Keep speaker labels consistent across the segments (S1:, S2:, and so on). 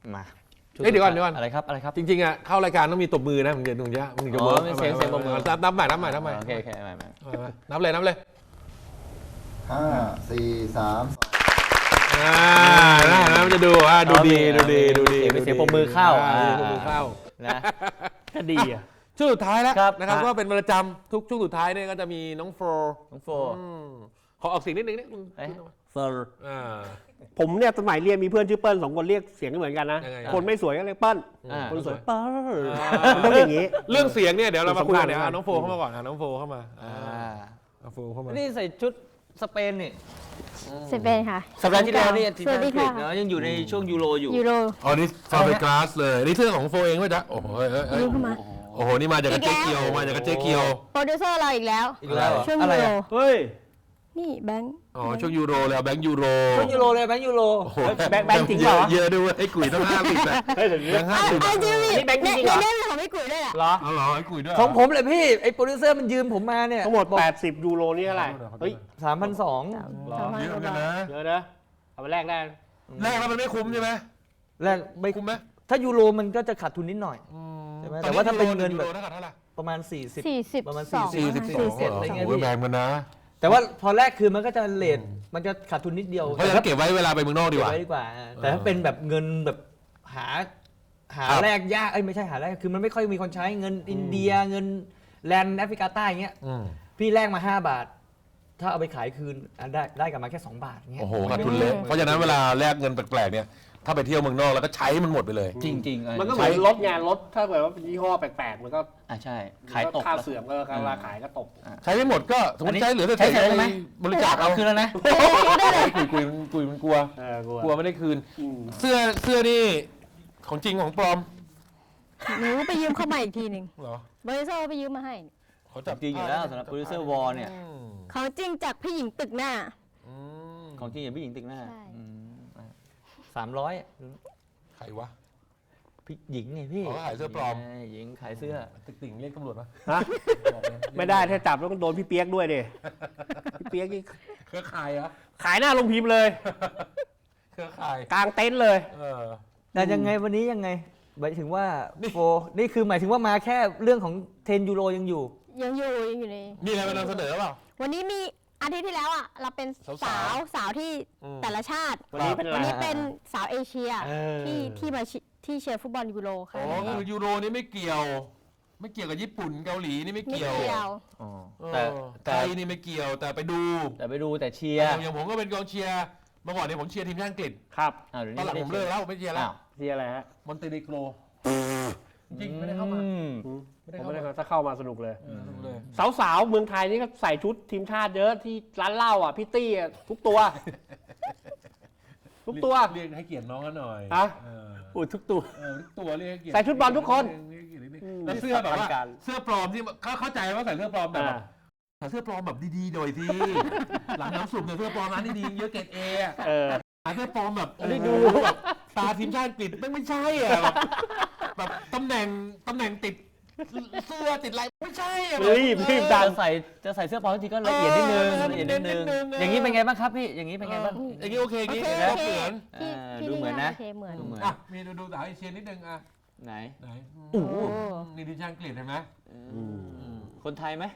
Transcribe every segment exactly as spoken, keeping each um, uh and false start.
S1: มา
S2: เฮ้ยเดี๋ยวก่อนเดี๋ยวก่อน
S1: อะไรครับอะไรครับ
S2: จริงๆอ่ะเข้ารายการต้องมีตบมือนะมึงจะมึงจะมึงจะเวิร์ก
S1: เสียงเสียงตบมือ
S2: นับนับใหม่นับใหม่นับใหม่
S1: โอเคโอเคใหม่ใหม่
S2: นับเลยนับเลย
S3: ห้าสี่สาม
S2: อ่าน่านะมันจะดูอ่าดูดีดูดีดูดี
S1: เสียงปรบมือเข้า
S2: ปรบมือเข้า
S1: นะ
S4: ก็ดีอ่ะ
S2: ช่วงสุดท้ายแล้วนะครับก็เป็นประจำทุกช่วงสุดท้ายเนี่ยก็จะมีน้องโฟร์
S1: น้องโฟ
S2: ขอออกเสียงนิดนึงนี่
S4: เฟอร์
S2: อ่า
S4: ผมเนี่ยสมัยเรียนมีเพื่อนชื่อเปิ้ลสองคนเรียกเสียงเหมือนกันนะคนไม่สวยก็เรียกเปิ้ลคนสวยเปิ้ลมันต้องอย่างนี้
S2: เรื่องเสียงเนี่ยเดี๋ยวเรามาคุยกันเดี๋ยวน้องโฟเข้ามาก่อนนะน้องโฟเข้ามาน้องโฟเข้ามา
S1: นี่ใส่ชุดสเปนนี่
S5: สเปนค่ะ
S1: สัปดาห์ที่แล้วนี่ทีมอังกฤษเนาะยังอยู่ในช่วงยูโรอยู่
S5: ยูโร
S2: อ๋อนี่ฟาเบกราสเลยนี่เสื้อของโฟเองป่ะจ๊ะโอ้โหโอ้โหนี่มาจากเจ๊เกียวมาจากเจ๊เกียว
S5: โปรดิวเซอร์เราอีกแล้ว
S1: อีกแล้ว
S5: ช่วงยูโร
S4: เฮ้ย
S5: นี่แบงค์
S2: อ๋อช่วงยูโรแล้วแบงค์ยูโร
S1: ช่วงยูโรเลยแบงค์ยูโร
S4: แบงค์แบงค์จริงเหรอ
S2: เยอะด้วยไอ้กุ๋ยต้องห้าสิบนะแบงค์ห้าสิบ
S5: นี่แบงค์จริงเหรอเนี่ยของพี่กุ๋ยด้วย
S4: เหรอ
S2: อ๋อเหรอไอ้กุ๋ยด้วย
S1: ของผมเลยพี่ไอ้โปรดิวเซอร์มันยืมผมมาเนี่ย
S4: ทั้งหมดแปดสิบยูโรนี่เท่าไหร่เฮ้ย
S1: สามพันสอง
S2: เหรอเยอะกันนะ
S4: เยอะนะเอาไปแลกได้
S2: แลกแล้วมันไม่คุ้มใช่ไหม
S1: แลกไม่
S2: คุ้มไหม
S1: ถ้ายูโรมันก็จะขาดทุนนิดหน่อยใช่ไหมแต่ว่าถ้าเป็นเงินแบบประมาณสี่สิบ
S5: สี่สิบ
S1: ประมาณ
S5: สี่
S1: สิบสี่สิบอะไรเงี้ยพี่
S2: แพงมันนะ
S1: แต่ว่าพอแรกคืนมันก็จะเลทมันจะขาดทุนนิดเดียว
S2: เพราะฉะนั้นเก็บไว้เวลาไปเมืองนอกดีกว่า
S1: เก็บไว้ดีกว่าแต่ถ้าเป็นแบบเงินแบบหาหาแรกยากเอ้ยไม่ใช่หาแรกคือมันไม่ค่อยมีคนใช้เงินอินเดียเงินแลนด์แอฟริกาใต้อย่างเงี้ยพี่แลกมาห้าบาทถ้าเอาไปขายคืนได้ได้กลับมาแค่สองบาทเงี้ย
S2: โอ้โหขาดทุนเละเพราะฉะนั้นเวลาแลกเงินแปลกๆเนี่ยถ้าไปเที่ยวเมืองนอกแล้วก็ใช้มันหมดไปเลย
S1: จริงๆ
S4: มันก็เหมือนรถงานรถถ้าเกิดว่าเป็นยี่ห้อแปลกๆมันก็
S1: อ่าใช่ขายตก
S4: ค่าเสื่อมก็ราคาขายก็ตก
S2: ใช้ไม่หมดก็สมมติใช้เหลือแต่ใช้
S1: ไหม
S2: บริจาคเอา
S1: คืนแล้วนะ
S2: กุยกุยกุยมันกลัวกลัวไม่ได้คืนเสื้อเสื้อนี่ของจริงของปลอม
S5: หนูไปยืมเข้ามาอีกทีหนึ่ง
S2: เหรอ
S5: โปรดิวเซอร์ไปยืมมาให้
S1: เขาจับจริงอยู่แล้วสำหรับโปรดิวเซอร์วอลเนี่ย
S5: ของจริงจากพี่หญิงตึกหน้า
S1: ของจริงอย่างพี่หญิงตึกหน้าสามร้อย
S2: ใครวะ
S1: พี่หญิงไงพี่
S2: เขาขายเสื้อปลอม
S1: หญิงขายเสื้อ
S2: ตึกติ่งเรียกตำรวจมา
S4: ฮะไม่ได้ถ้าจับแล้วก็โดนพี่เปียกด้วยดิพี่เปียกนี่
S2: เครือข่ายเหรอ
S4: ขายหน้าลงพิมพ์เลย
S2: เครือข่าย
S4: กลางเต็นท์เลย
S1: แต่ยังไงวันนี้ยังไงหมายถึงว่าโฟนี่คือหมายถึงว่ามาแค่เรื่องของเทนยูโรยังอยู่
S5: ยังอยู่ยังอยู่ใน
S2: มีอะไรมานำเสนอเปล่า
S5: วันนี้มีอาทิตย์ที่แล้วอ่ะเราเป็นสาวสาวที่แต่ละชาติ
S4: วันนี้เป็น
S5: วันนี้เป็นสาวเอเชียที่ที่มาที่เชียร์ฟุตบอลยูโรค่ะ
S2: อ๋อคือยูโรนี่ไม่เกี่ยวไม่เกี่ยวกับญี่ปุ่นเกาหลีนี่ไม่เกี่ยวแต่ไทยนี่ไม่เกี่ยวแต่ไปดู
S1: แต่ไปดูแต่เชียร์
S2: อย่างผมก็เป็นกองเชียร์เมื่อก่อนเนี่ยผมเชียร์ทีมชาติอังกฤษ
S4: ครับ
S2: ตอนหลังผมเลิกแล้วผมไม่เชียร์แล้ว
S4: เชียร์อะไรฮะ
S2: มอนเตเนโกรจริงไม่ได้เข้ามา
S4: ไม่ได้เข้ามาถ้าเข้ามาสนุกเลยสาวๆเมืองไทยนี่ก็ใส่ชุดทีมชาติเยอะที่ร้านเหล้าอ่ะพี่ตี้ทุกตัวทุกตัว
S2: เรียกให้เกียรติน้องกันหน่อย
S4: อ่ะอุ้ยทุกตัว
S2: ทุกตัวเรียกให้เกียรติ
S4: ใส่ชุดบอลทุกคน
S2: แล้วเสื้อแบบว่าเสื้อปลอมที่เขาเข้าใจว่าใส่เสื้อปลอมแต่แบบใส่เสื้อปลอมแบบดีๆหน่อยสิหลังน้ำสุ่มเสื้อปลอมร้านดีๆเยอะเกรดเอเออเสื้อปลอมแบบได้ดูแบบตาทีมชาติอังกฤษไม่ใช่อ่ะแบบตำแหน่งตำแหน่งติดเสื้อติดอะไรไม่ใช่อ่ะ
S4: รีบรีบดัน
S1: ใส่จะใส่เสื้อปลอมทีก็ละเอียดนิดนึงละเอียดนิดนึงอย่างนี้เป็นไงบ้างครับพี่อย่างนี้เป็นไงบ้าง
S2: อย่างนี้โอเคอย่างนี้
S1: แล้ว
S2: เหมือน
S1: ดูเหมือนนะ
S5: เหมือน
S2: อ่ะมีดูดูสาวเอเชียนิดนึงอ่ะ
S1: ไหน
S2: ไหนโอ้นี่ทีมชาติอังกฤษเห็นไหม
S1: คนไทยไหม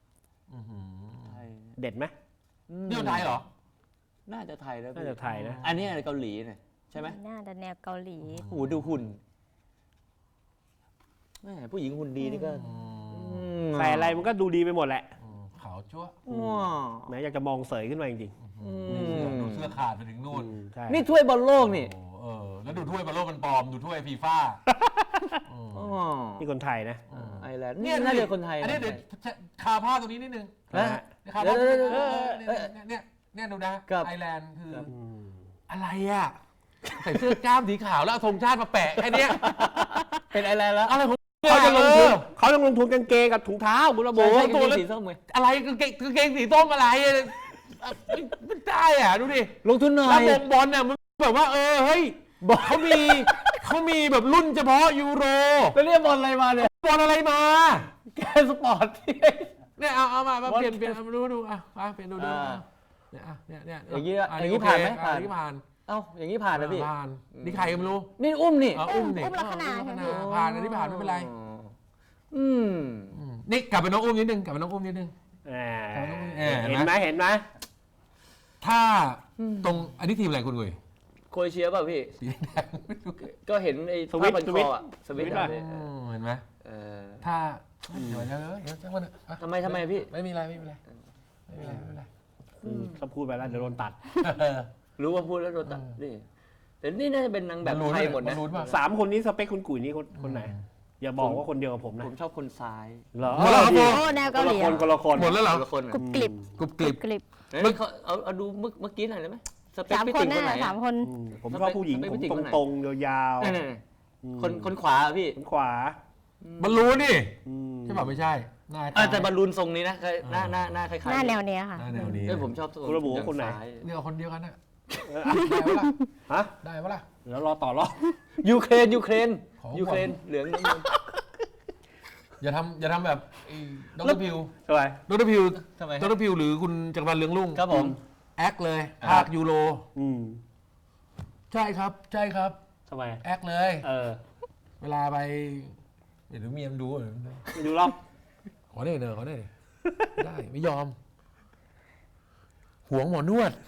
S4: เด็ดไหม
S2: นี่คนไทยเหรอ
S1: น่าจะไทยแล้ว
S4: น่าจะไทยนะ
S1: อันนี้เกาหลีเนี่ยใช่ไหม
S5: น่าจะแนวเกาหลี
S1: โอ้ดูหุ่นแม่ผู้หญิงหุ่นดีนี่ก็
S4: ใส่อะไรมันก็ดูดีไปหมดแหละ
S2: ขาวจั๊ว
S4: แม้อยากจะมองเสยขึ้นมาจริง
S2: ๆดูเสื้อขาดไปถึงนู่น
S1: นี่ถ้วยบอลโลกนี่
S2: เออแล้วดูถ้วยบอลโลกมันปลอมดูถ้วยฟีฟ่า
S4: นี่คนไทยนะ
S1: ไอร์แลนด์นี่น่าจะคนไทย
S2: อันนี้เดี๋ยวคาผ้าตรงนี้นิดนึง
S1: นะ
S2: คาผ้าเนี่ยเนี่ยดูนะไอร์แลนด์คืออะไรอ่ะใส่เสื้อกล้ามสีขาวแล้วเอาธงชาติมาแปะแค่นี้
S1: เป็นไอร์แลนด์แล้ว
S2: อะไรของ
S4: เขาจะลงทุนเขาต้องลงทุนกางเกงกับถุงเท้าบุระโบ
S1: ตัวสีส้มเลย
S2: อะไรกางเกงกางเกงสีส้มอะไรไม่ได้อ่ะดูดิ
S1: ลงทุนหน่อย
S2: แล้ววงบอลเนี่ยมันแบบว่าเออเฮ้ยเขามีเขามีแบบรุ่นเฉพาะยูโร
S1: แล้วเรียกบอลอะไรมาเนี่ย
S2: บอลอะไรมา
S1: แกสปอร์ต
S2: เนี่ยเอาเอามาเปลี่ยนเปลี่ยนมาดูดูอ่ะมาเปลี่ยนดูดู
S1: เนี่ยเนี่ยเนี่ยอย่างนี้อย่างนี้ผ่านไหมผ่าน
S2: ที่ผ่าน
S1: เเอ้าอย่างนี้ผ่านนะพี่
S2: ผ่านนี่ใครก็ไม่รู้
S1: นี่อุ้มนี่
S2: อ๋ออุ้มนี่
S5: อุ้มลักษณะ
S2: อุ้มลักษณะ
S5: ใช่ไหม
S2: ผ่านอันนี้ผ่านไม่เป็นไร
S1: อืม
S2: อืมนี่กลับไปน้องอุ้มนิดนึงกลับไปน้องอุ้มนิดนึง
S4: แหม
S2: เออเห็
S4: เห็
S2: น
S4: น
S2: ไห
S4: ไห
S2: ม
S4: มเห็นไหม
S2: ถ้าตรงอันนี้ทีมอะไรคุณกุย
S1: โครเอเชียป่ะพี่
S2: สีแดงไม่รู้
S1: ก็เห็นไอ้
S4: สวิตช์
S1: ผ้าพัน
S4: ส
S1: ค
S4: วิต
S1: อ
S4: ช์
S1: อะสวิตช์
S4: สวิตช์
S1: อะ
S2: อืมเห็นไหม
S1: เออ
S2: ถ้าเดี๋ยวเดี๋ยวเดี๋ยวเดี๋ยวมันอ่ะ
S1: ทำไมทำไมพี่
S2: ไม่มีอะไรไม่มีอะไรไม่มีอะไรไม่มีอะไร
S4: อืมถ้าพูดไปแล้วเดี๋ยวโดนตัด
S2: เออ
S1: รู้ว่าพูดแล้วโดนตัดนี่แต่นี่น่าจะเป็นนางแบบไทยหมดนะ
S2: รู้ป่ะ
S4: สามคนนี้สเปคคุณกุ๋ยนี่คนคนไหน อย่าบอกว่าคนเดียวกับผมนะ
S1: ผมชอบคนซ้าย
S4: เหรอ
S2: หมดแล้วครับผม
S5: โอ้แนว
S4: ค
S5: เกาน ห
S4: ละ
S5: ลี
S4: คนคนละคน
S2: หมดแล้วเหรอ
S1: คนละคน
S5: กรุบกริบ
S2: กรุบกริบ
S5: กริบ
S1: เฮ้ยเขาเอาเอาดูเมื่อเมื่อกี้หน่อยได้ไหมสเปค
S5: สาม
S1: พี่
S5: ค
S1: ติ๋
S5: น
S1: งค
S5: แน่
S1: นไหน
S5: สามคน
S4: อืมผมชอบผู้หญิง
S1: สเปค
S4: ผม
S1: ผู้หญิงคนไหน
S4: ตรงๆยาว
S1: นั่น
S4: ๆอืม
S1: ๆคนคนขวาอะพี่
S4: คนขวา
S2: บอลลูนนี่
S4: อืม
S2: ใช่ป่ะไม่ใช่หน้า
S1: เออแต่บอลลูนทรงนี้นะเคยหน้าหน้าหน้าคล้ายๆ
S5: หน้าแนวเนี้ยค่ะ
S2: หน้าแนวนี้
S1: เอ้ยผมชอบตัว
S4: คุณระบุว่าคนไหน
S1: ซ้ย
S2: เนี่ยเอาคนเดียวกันน่ะ
S4: เออ
S2: ได้ปะล่ะ
S4: ฮะ
S2: ได้ปะล่ะ
S4: เดี๋ยวรอต่อรอบ
S1: ยูเครนยูเครน
S2: ของ
S1: ยูเครนเหลืองน้ำเงิน
S2: อย่าทำอย่าทำแบบไอ้ดรพิว
S4: ทำไม
S2: ดรพิว
S1: ทำไม
S2: ดรพิวหรือคุณจักรพันธ์เรืองรุ่ง
S1: ครับผม
S2: แอคเลยภาคยูโร
S4: อืม
S2: ใช่ครับ ใช่ครับ
S4: ทำไม
S2: แอคเลย
S4: เออ
S2: เวลาไปเดี๋ยวเมียมนดูเดี๋ยว
S4: ไม่ดูหรอก
S2: ขอได้เนอะขอได้ดิไม่ได้ไม่ยอมหวงหมอนวด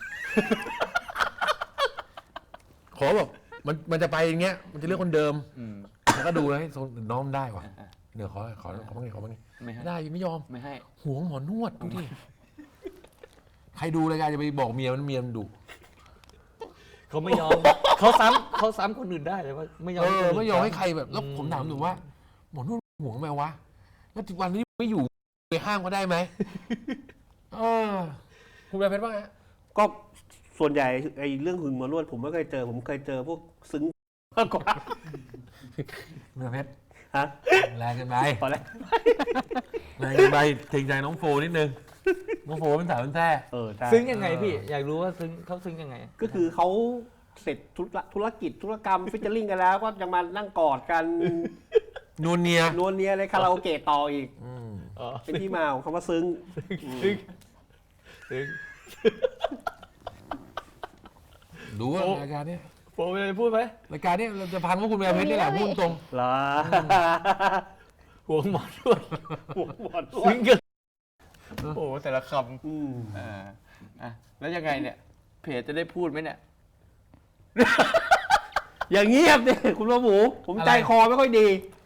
S2: ขอแบบมันมันจะไปอย่างเงี้ย มันจะเลือกคนเดิม
S1: อืม
S2: แล้วก็ดูแล้วน้องได้ว่ะเดี๋ยวขอขอขอบ้างดิขอบ้างดิ
S1: ไม่ให้
S2: ไม่ได้ไม่ยอม
S1: ไม่ให้
S2: หวงหมอนวดดูดิใครดูรายการจะไปบอกเมียมันเมียมันดุ
S1: เขาไม่ยอม เขาซ้ำเขาซ้ำคนอื่นได้แต่ว่าไม่ยอม
S2: เออ
S1: คนน
S2: ไม่ยอมให้ใครแบบแล้ว
S1: อืม
S2: ผมถามหนูว่า หมอนวดหวงไหมวะแล้ววันนี้ไม่อยู่ไปห้ามเขาได้ไหมเออคุณแม่เพชรว่าไง
S4: ก็ส่วนใหญ่ไอ้เรื่องหึงหมอนวดผมไม่เคยเจอ ผมเคยเจอพวกซึ้งมากกว่า
S2: คุณแม่เพชร
S4: ฮะ
S2: แรงเกันไป
S4: พอแล้ว
S2: แรงเกันไปเกรงใจน้องโฟนิดนึงน้องโฟเป็นสาวเป็นแท้
S4: เออใช่
S1: ซึ้งยังไงพี่ อยากรู้ว่าซึ้งเขาซึ้งยังไง
S4: ก็คือเขาเสร็จธุระธุรกิจธุรกรรมฟิชเชอร์ลิงกันแล้วก็ยังมานั่งกอดกัน
S2: นวลเนีย
S4: นวลเนียเลยคาราโอเกะต่ออีก
S2: อืม
S1: อ๋อ
S4: เป็นที่มาของคำว่าซึ้ง
S1: ซึ้งซึ้ง
S2: ดูว่ารายการเนี้ย
S1: ผมจะพูดไหม
S2: รายการเนี้ยเราจะพังเพราะคุณแม่เพชรนี่แหละพูดตรง
S4: เหรอ
S1: หัวหมอนวด
S4: หัวหมอนว
S1: ซึ้
S4: ด
S1: งเกินโอ้โหแต่ละค
S4: อืม
S1: ำอ่าอ่ะแล้วยังไงเนี่ย เพจจะได้พูดไหมเนี่ย
S4: อย่างเงียบเนี่ยคุณพ่อหมู ผมใจคอไม่ค่อยดี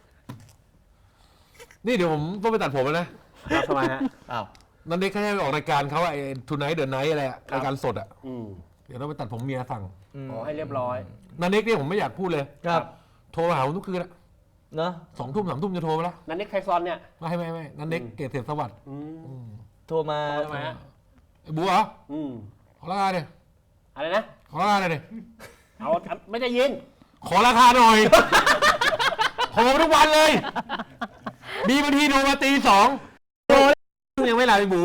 S2: นี่เดี๋ยวผมต้องไปตัดผมแล้วนะ
S4: ครับทำไมฮะ
S1: อ้าว
S2: นันเด็กเขาให้ไปออกรายการเขาอะไอ้ทูไนท์เดอะไนท์อะไรอะ
S4: ครับ
S2: รายการสดอะ
S4: อืม
S2: เดี๋ยวต้องไปตัดผมเมียสั่ง
S4: ขอให้เรียบร้อย
S2: นันเด็กเนี่ยผมไม่อยากพูดเลย
S1: ครับ
S2: โทรมาหาผมทุกคืนอะ
S1: เนอะ
S2: สองทุ่มสามทุ่มจะโทรมาแล้ว
S4: นันเน็กไทซอนเนี่ย
S2: ไม่ไม่ไม่นันเด็ก
S4: อืม
S2: เกษตรสวัสดิ์
S4: อืม
S2: อืม
S1: โทรมา
S4: ทำไมฮะ
S2: ไอ้บัวเหรอ
S4: อืม
S2: ขอราคาเนี่ย
S4: อะไรนะ
S2: ขอราคาหน่อยดิ
S4: เอาไม่ได้ยิน
S2: ขอราคาหน่อย โทรมาทุกวันเลย มีบางทีโทรมาตีสองโทรยังไม่หลับไอ้บู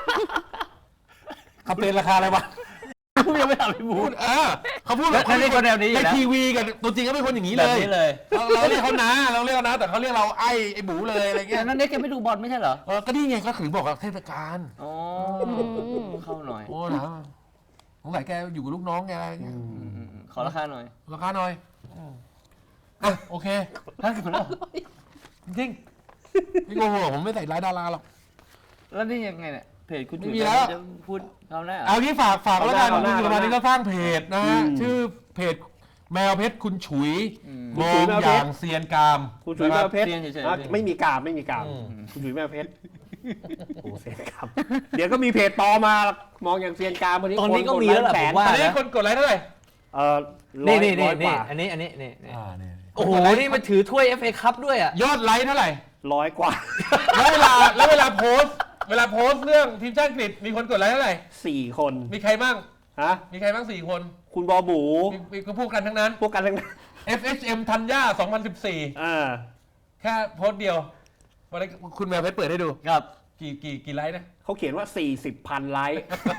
S2: เขาเป็นราคาอะไรวะ
S1: พูดยังไม่ทำให้พู
S2: พู
S1: ด
S2: ดเออเขาพูด
S1: แล้วนี่คนแนวนี้อยู่
S2: ใน
S1: แล้ว
S2: ทีวีกับตัวจริงก็เป็นคนอย่างนี้
S1: แบ
S2: เล
S1: บ
S2: ย
S1: นี้เลย
S2: เราเราเรียกเขานะเราเรียกเขานะแต่เขาเรียกเราไอ้ไอ้บูเลยอะไรเงี้
S1: แต่
S2: ย
S1: นั่นเน็กแกไม่ดูบอลไม่ใช่เหรอ
S2: เออก็นี่ไงก็ถึงบอกว่าเทศกาล
S1: อ๋อเข้าหน่อย
S2: โอ้นะสงสัยแกอยู่กับลูกน้องแกอะไรเงี้ย
S1: อืมอืมขอราคาหน่อย
S2: ราคาหน่อยอ่ะโอเค
S1: ห้าสิบแล้ว
S2: จริงไม่โกหกผมไม่ใส่ร้ายดาราหรอก
S1: แล้วนี่ยังไงเนี่ยเพจคุณ
S2: ไม่
S1: จุ๋ย
S2: มีแล้ว
S1: จะพูดเขาหน้า
S2: เอาที่ฝากฝากแล้วกัน
S4: เอาห
S2: คุ
S4: น้า
S2: ณ
S4: เอา
S2: สุ
S4: หน้า
S2: รพันธ์นี่ก็สร้างเพจนะฮะ
S4: อืม
S2: ชื่อเพจแมวเพชรคุณฉุย
S1: อืม
S2: มองอย่างเซียนกาม
S4: คุณจุ๋ยแม่เพชร
S1: เซียนเฉยๆ
S4: อ่ะไม่มีกราบไม่มีกราบ
S2: อืม
S4: คุณจุ๋ยแม่เพชรโอ้เซียนกามเดี๋ยวก็มีเพจปลอมมามองอย่างเซียนกามวันนี้
S1: ตอนนี้ก็
S4: ค
S1: มีแล้วแหละ
S4: แส
S1: ผ
S4: น
S1: มว่า
S2: ตอนนี้
S1: นะ
S2: คนกดไลค์เท่าไหร่
S4: เออร้อ
S1: นี่
S4: ย
S1: นี่นี่
S4: ร้อยก
S1: นี่
S4: ว่า
S1: อันนี้อันนี้นี่นี่
S2: อ่าเนี่ย
S1: โอ้โหนี่มันถือถ้วย เอฟ เอ คัพด้วยอ่ะ
S2: ยอดไลค์เท่าไหร่
S4: ร้อยกว่า
S2: แล้วเวลาแล้วเวลาโพสต์เวลาโพสต์เรื่องทีมชาติอังกฤษมีคนกดไลค์เท่าไหร่
S4: สี่คน
S2: มีใครบ้าง
S4: ฮะ
S2: มีใครบ้างสี่คน
S4: คุณบอหมู
S2: มีมีก็พูดกันทั้งนั้น
S4: พวกกันทั้งนั้น
S2: เอฟ เอช เอ็ม ธัญญาสองพันสิบสี่
S4: อ่า
S2: แค่โพสต์เดียววันนี้คุณแมวเพชรเปิดให้ดู
S1: ครับ
S2: กี่กี่กี่ไลค์นะ
S4: เขาเขียนว่าสี่สิบพันไลค์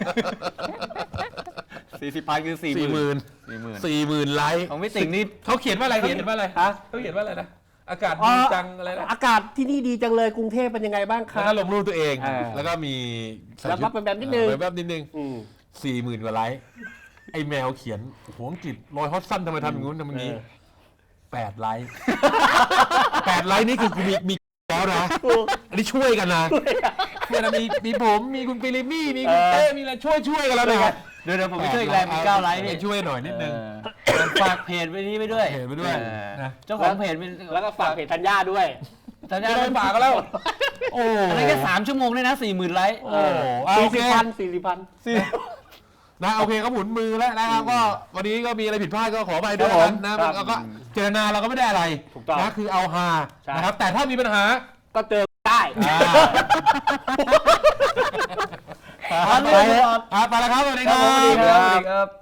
S1: สี่สิบพันคือสี่
S2: สี่หมื่น
S1: สี่หมื่น
S2: สี่หมื่นไลค์
S1: ของพี่ติ๋งนี่
S2: เขาเขียนว่าอะไรเขาเขียนว่าอะไร
S4: ฮะ
S2: เขาเขียนว่าอะไรนะอากาศดีจังอะไรนะ
S4: อากาศที่นี่ดีจังเลยกรุงเทพเป็นยังไงบ้างค
S2: แล้ว
S4: รับ
S2: ก็ลงรูปตัวเอง
S4: อ่า
S2: แล้วก็มีใส่
S4: แล้ว
S2: ชุ
S4: ก็เป็นแบบนิดนึง
S2: แบบนิดนึง
S4: อืม
S2: สี่หมื่นกว่าไลค์ไอ้แมวเขียนโอ้โหอังกฤษรอยฮอตสั้นทำไมทำอย่างงู้นทำอย่างนี้แปดไลค์แปดไลค์นี่คือกูมีมีแล้วนะอันนี้ช่วยกันนะเนี่ยนะมีมีผมมีคุณปิริมี่มีคุณเต้มีอะไรช่วยช่วยกันแล้วนะ
S1: เดี๋ยวเดี๋ยวผมไปช่วยอีกแรงมีเก้าไลค์พี่
S2: ช่วยหน่อยนิดนึง
S1: เออฝากเพจไปนี้ไปด้วย
S2: เพจไปด้วย
S1: เออ
S2: นะ
S1: เจ้าของเพจเป็น
S4: แล้วก็ฝากเพจธัญญาด้วย
S1: สัญญา
S2: ไม่ได้ฝากกันแล้วโอ้
S1: อันนั้นแค่สามชั่วโมงเลยนะสี่หมื่นไลค์
S2: โอ้เอา
S4: สี่
S2: โอเค
S4: สิบพันสี่สิบพัน
S2: นะโอเคเขาหมุนมือแล้วนะครับก็วันนี้ก็มีอะไรผิดพลาดก็ขอไปด้วย
S4: ครับผม
S2: นะแล้วก็เจตนาเราก็ไม่ได้อะไร
S4: ถูกต้อง
S2: นะคือเอาฮา
S4: ใช่
S2: นะครับแต่ถ้ามีปัญหา
S4: ก็เจอได้
S2: อ่า
S1: ไปเลย
S2: อ่าไปแล้วครับสวัสดีค
S1: ค
S2: รั
S1: รับ
S2: บ
S1: สวัสดีครับ